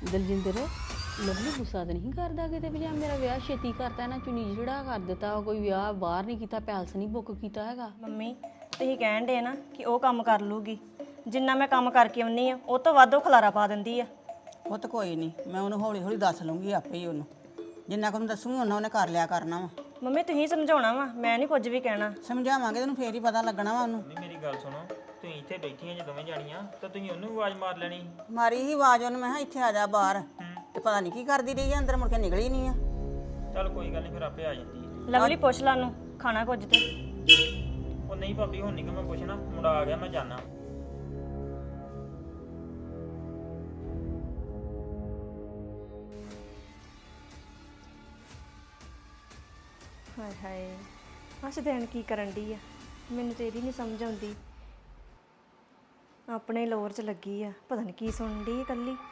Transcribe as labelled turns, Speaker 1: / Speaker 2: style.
Speaker 1: Daljinder Lovely ਗੁੱਸਾ ਤਾਂ ਨਹੀਂ ਕਰਦਾ ਕਿਤੇ ਵੀ ਜਾਂ ਮੇਰਾ ਵਿਆਹ ਛੇਤੀ ਕਰਤਾ ਨਾ ਚੁੰਨੀ ਜਿਹੜਾ ਕਰ ਦਿੱਤਾ ਕੋਈ ਵਿਆਹ ਬਾਹਰ ਨਹੀਂ ਕੀਤਾ ਪੈਲਸ ਨਹੀਂ ਬੁੱਕ ਕੀਤਾ ਹੈਗਾ।
Speaker 2: ਮੰਮੀ ਤੁਸੀਂ ਕਹਿਣ ਦੇ ਨਾ ਕਿ ਉਹ ਕੰਮ ਕਰ ਲੂਗੀ, ਜਿੰਨਾ ਮੈਂ ਕੰਮ ਕਰਕੇ ਆਉਣੀ ਆ ਉਹ ਤੋਂ ਵੱਧ ਉਹ ਖਲਾਰਾ ਪਾ ਦਿੰਦੀ ਆ।
Speaker 3: ਉਹ ਤਾਂ ਕੋਈ ਨਹੀਂ, ਮੈਂ ਉਹਨੂੰ ਹੌਲੀ ਹੌਲੀ ਦੱਸ ਲੂੰਗੀ ਆਪੇ ਹੀ ਉਹਨੂੰ, ਜਿੰਨਾ ਕੁ ਦੱਸੂਗੀ ਉਹਨਾਂ ਉਹਨੇ ਕਰ ਲਿਆ ਕਰਨਾ ਵਾ।
Speaker 2: ਮੰਮੀ ਤੁਸੀਂ ਸਮਝਾਉਣਾ ਵਾ, ਮੈਂ ਨਹੀਂ ਕੁਝ ਵੀ ਕਹਿਣਾ।
Speaker 3: ਸਮਝਾਵਾਂਗੇ ਤੈਨੂੰ ਫੇਰ ਹੀ ਪਤਾ ਲੱਗਣਾ ਵਾ ਉਹਨੂੰ।
Speaker 4: ਨਹੀਂ ਮੇਰੀ ਗੱਲ ਸੁਣੋ, ਤੁਸੀਂ ਇੱਥੇ ਬੈਠੀਆਂ ਜੇ ਦੋਵੇਂ ਜਾਣੀਆਂ ਤਾਂ ਤੁਸੀਂ ਉਹਨੂੰ ਵੀ ਆਵਾਜ਼ ਮਾਰ ਲੈਣੀ।
Speaker 3: ਮਾਰੀ ਹੀ ਆਵਾਜ਼ ਉਹਨੂੰ, ਮੈਂ ਕਿਹਾ ਇੱਥੇ ਆ ਜਾ ਬਾਹਰ, ਤੇ ਪਤਾ ਨਹੀਂ ਕੀ ਕਰਦੀ ਰਹੀ ਆ ਅੰਦਰ, ਮੁੜ ਕੇ ਨਿਕਲੀ ਨਹੀਂ ਆ।
Speaker 4: ਚੱਲ ਕੋਈ ਗੱਲ ਨਹੀਂ, ਫਿਰ ਆਪੇ ਆ ਜਾਂਦੀ ਹੈ।
Speaker 2: ਲਵਲੀ ਪੁੱਛ ਲਾ ਨੂੰ ਖਾਣਾ ਕੁਝ ਤੇ।
Speaker 4: ਉਹ ਨਹੀਂ ਭਾਬੀ ਹੁਣ ਨਹੀਂ ਕਿ ਮੈਂ ਪੁੱਛਣਾ, ਮੁੰਡਾ ਆ ਗਿਆ ਮੈਂ ਜਾਣਾ।
Speaker 2: ਹਾਏ ਹਾਏ ਅੱਜ ਦੇਣ ਕੀ ਕਰਨ ਡਈ ਆ, ਮੈਨੂੰ ਤੇ ਇਹਦੀ ਨਹੀਂ ਸਮਝ ਆਉਂਦੀ। ਆਪਣੇ ਲੋਰ 'ਚ ਲੱਗੀ ਆ, ਪਤਾ ਨਹੀਂ ਕੀ ਸੁਣਨ ਡਈ ਇਕੱਲੀ।